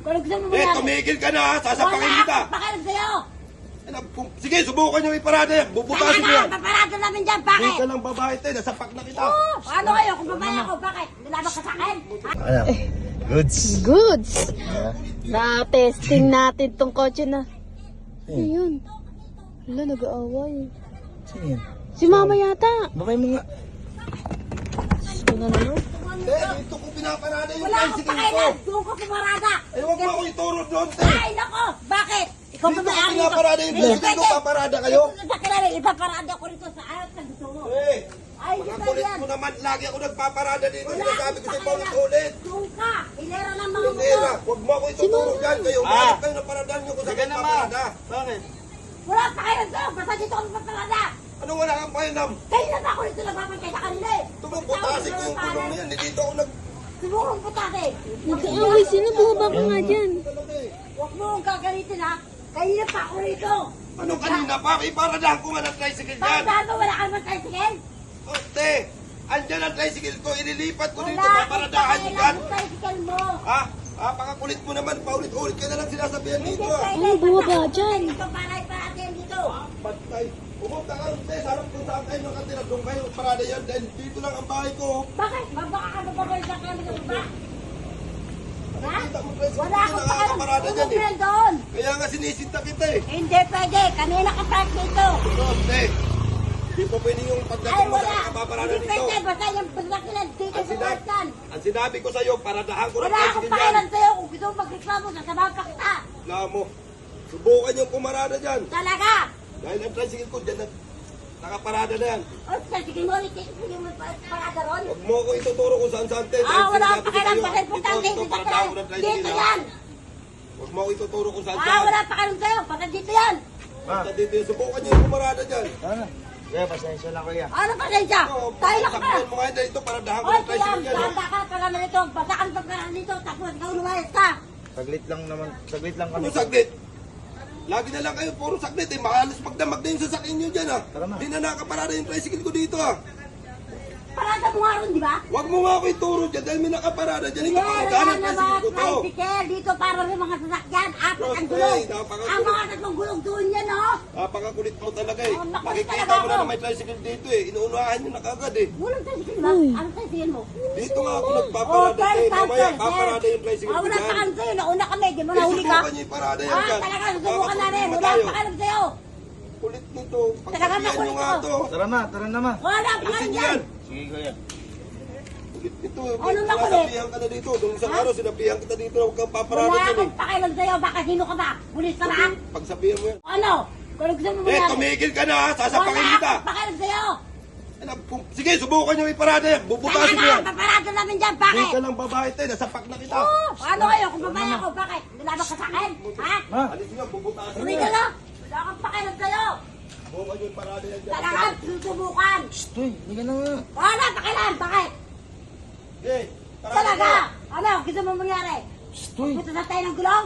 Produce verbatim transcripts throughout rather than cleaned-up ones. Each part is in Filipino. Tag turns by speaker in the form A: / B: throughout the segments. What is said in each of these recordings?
A: Kung gusto mo
B: Eh,
A: mangyari.
B: tumigil ka na ha. Sasapakin
A: Wala
B: kita.
A: akong pakialam sa'yo.
B: Eh, na- kung- Sige, subukan nyo iparada yan. Bubutasin mo
A: Talaga,
B: yan.
A: paparado namin dyan.
B: Hindi
A: Bakit?
B: ka lang babae tayo. Nasapak na kita.
A: Oo, ano kayo? Kung babae ako, bakit? Nilaban ka sa akin? Ha?
C: Ano? Goods.
D: Goods!
C: Ah,
D: Na-testing natin tong kotse na.
C: Hmm.
D: Ayun. Wala, nag-aaway.
C: sino yan?
D: Si mama yata.
C: Bakay mo nga.
D: Ano na no?
B: Eh, dito ko pinaparada yung
A: Wala akong
B: tricycle ko.
A: pakialam. Doon ko pumarada.
B: Eh, huwag mo ako ituro doon, te.
A: Ay, nako. Bakit? Ikaw
B: Dito
A: ba
B: ko pinaparada yung tricycle ko. Paparada kayo.
A: Sa kilala, ipaparada ko rito sa ayat na gusto mo.
B: Eh,
A: Ay,
B: mga
A: hindi
B: kulit
A: yan.
B: mo naman. Lagi ako nagpaparada dito.
A: Wala
B: Sinasabi
A: akong
B: ko sa
A: pakialam.
B: paulit-ulit.
A: Doon ka. Hilera ng mga
B: Pindera,
A: motor.
B: huwag mo ako ituturo dyan. Kayo,
C: Ah.
B: umanap kayo na paradaan nyo kung saan
C: Sige
B: kayo
C: na, ma.
B: paparada.
C: Bakit?
A: Wala akong pakialam sa'yo. Basta dito ako paparada.
B: Ano wala kang pahinam?
A: Kaya na ako rito nagbabantay sa kanila eh.
B: Tumuputasin ko yung gulong na yan. Hindi dito ako nag...
A: Sigurong putasin.
D: Nag-aaway sila. Bumaba ka nga dyan.
A: Huwag mo akong gagalitin ha. Kanina pa ako rito.
B: Ano kanina pa? Iparadahan ko nga ng tricycle
A: Bakit
B: dyan.
A: saan mo wala kang tricycle?
B: Oh, te, andyan ang tricycle ko. Ililipat ko dito.
A: Wala akong
B: Paparadahan nyo
A: pakialam
B: dyan.
A: sa tricycle mo.
B: Ha? Ah, pakakulit mo naman. Paulit-ulit ka na lang sinasabihan
A: Hindi
B: dito. ah.
A: pwede.
D: Ano, bumaba dyan?
A: Dito para iparating dito.
B: Patay. Pumunta ka rin, te. Sarap kung saan kayo nakatira. Doon kayo parada yan. Dahil dito lang ang bahay ko.
A: Bakit? Mabaka ka babagay sa kami sa baba? Ha?
B: Nakikita mo, tricycle
A: Wala
B: ko
A: akong
B: nakakaparada
A: pakialam.
B: dyan
A: Umupo
B: eh.
A: yan doon.
B: Kaya nga sinisinta kita eh.
A: Hindi pwede. Kanina ka park dito.
B: Pero, te, di po pwede yung
A: Ay
B: pagdating mo sa
A: wala.
B: nakapaparada
A: Hindi
B: dito.
A: pwede. Basta yung pagdakilan dito
B: Ang
A: sa
B: sinabi,
A: Western.
B: ang sinabi ko sa'yo, paradahan ko ng
A: Wala akong
B: tricycle dyan.
A: pakialam sa'yo. Kung gusto mo magreklamo, sasamahan pa kita.
B: Wala mo. Subukan yung pumarada dyan.
A: Talaga.
B: Dahil ang tricycle ko dyan, na- nakaparada na yan.
A: O, sige mo, sige mo parada ron.
B: Huwag mo ako ituturo kung saan saan, te.
A: Ah,
B: Dahil
A: wala
B: sinabi
A: akong
B: ko
A: pakialam.
B: sa'yo,
A: Basta importante
B: ito, ito,
A: dito
B: paradahan ko ng
A: sa
B: tricycle,
A: Dito
B: ha?
A: yan.
B: Huwag mo ako ituturo kung saan
A: Ah,
B: saan.
A: wala pakialam sa'yo. Basta dito yan.
B: Basta dito yun. Subukan nyo yung pumarada dyan.
C: Ano? Kaya pasensya na kuya.
A: Ano pasensya?
B: Oo,
A: Tayo na ka.
B: sakbuhan mo nga dito, paradahan ko
A: Oy,
B: ng tricycle
A: kaya,
B: dyan. ha?
A: bata ka para naman ito. Basta kang pagkakaan dito. Tapos ikaw lumayas ka.
C: Saglit lang naman. Saglit lang kami.
B: Puro saglit. Lagi na lang kayo, puro saglit eh. Makalas magdamag na yung sasakyan nyo dyan ha.
C: Tara na.
B: Di na nakaparada yung tricycle ko dito ha.
A: Parada mo nga ron, di ba?
B: Huwag mo nga ako ituro dyan dahil may nakaparada dyan. Ito
A: Yeah,
B: pakagana
A: wala
B: ng
A: na
B: tricycle
A: mga
B: ko to.
A: tricycle. Dito para rin mga sasakyan. Apat ang
B: Proste,
A: gulong.
B: napakagulo.
A: Ang mga tatlong gulong doon yan, oh.
B: Napakakulit mo talaga eh.
A: Oh, nakulit
B: Makikita
A: talaga
B: mo na
A: ako.
B: na may tricycle dito eh. Inuunahan nyo na kagad eh.
A: Walang tricycle ba?
D: Uy.
A: Anong tricycle mo?
B: Dito nga ako
A: Oh,
B: nagpaparada
A: sir,
B: eh.
A: sir,
B: Mamaya
A: sir,
B: paparada
A: sir.
B: yung tricycle
A: Ah,
B: ko
A: wala
B: dyan.
A: pakialam sa'yo. Nauna kami. Di mo
B: Eh,
A: nahuli ka?
B: subukan nyo iparada yan
A: Ah,
B: dyan.
A: talaga. Susubukan
B: Baka
A: namin.
B: problema
A: Wala
B: tayo.
A: pakialam sa'yo.
B: Kulit nito.
A: Talaga
B: Pagsabihan nyo
A: makulit
B: nga
A: to.
B: to.
C: Tara ma, tara na ma.
A: Wala
B: Alisin
A: pakialam
B: nyo
A: yan.
B: yan.
C: Sige kuya.
B: Kulit nito.
A: Ano na kulit?
B: Sinasabihan ka na dito. Nung isang araw sinabihan kita dito na huwag kang paparada
A: Wala
B: dyan eh.
A: akong pakialam sa'yo. Baka sino ka ba? Pulis ka ba?
B: Pagsabihan mo yan.
A: Ano? Kung gusto mo
B: Eh,
A: mangyari.
B: tumigil ka na ha. Sasapakin
A: Wala
B: kita.
A: akong pakialam sa'yo.
B: Eh, na- kung- Sige, subukan nyo iparada yan. Bubutasin mo
A: Talaga.
B: yan.
A: Paparado namin dyan.
B: Hindi
A: Bakit?
B: ka lang babae tayo. Nasapak na kita.
A: Oo. Ano kayo? Kung babae ako, bakit? Nilaban ka sa akin? Ha?
C: Ma.
B: Alis nyo, bubutasin mo
A: Uwi ka
B: yan.
A: na. Wala akong pakialam sa'yo.
B: Subukan nyo iparada yan dyan.
A: Talaga. Susubukan.
C: Stoy, hindi ka na nga.
A: Wala pakialam. Bakit?
B: Okay.
A: Talaga. Ano? Gusto mo mangyari?
C: Stoy.
A: Punta na tayo ng gulong?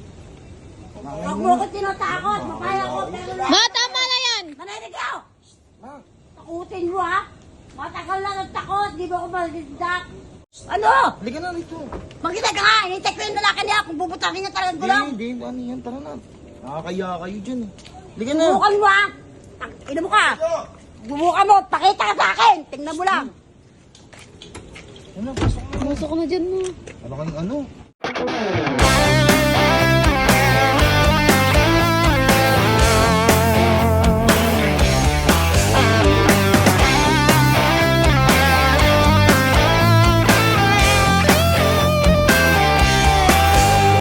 A: Huwag mo ko tinatakot. Mapaya ko. Pero lang.
D: Ma, tama na yan!
A: Naninig ako.
C: Ma.
A: Takutin mo ha. Matagal na ng takot. Di ba ako malidak? Ano?
C: Halika na rito.
A: Magkita ka nga. Hinintay ko yung lalaki niya kung bubutakin niya talagang gulong.
C: Hindi, hindi. Ano yan? Tara na. Nakakaya kayo dyan eh. Halika na.
A: Subukan mo ha. Tak- Ina mo ka. Subukan mo. Pakita ka sa akin. Tingnan mo lang.
C: Ano, pasok na.
D: Pumasok na dyan mo.
C: Ano kang ano?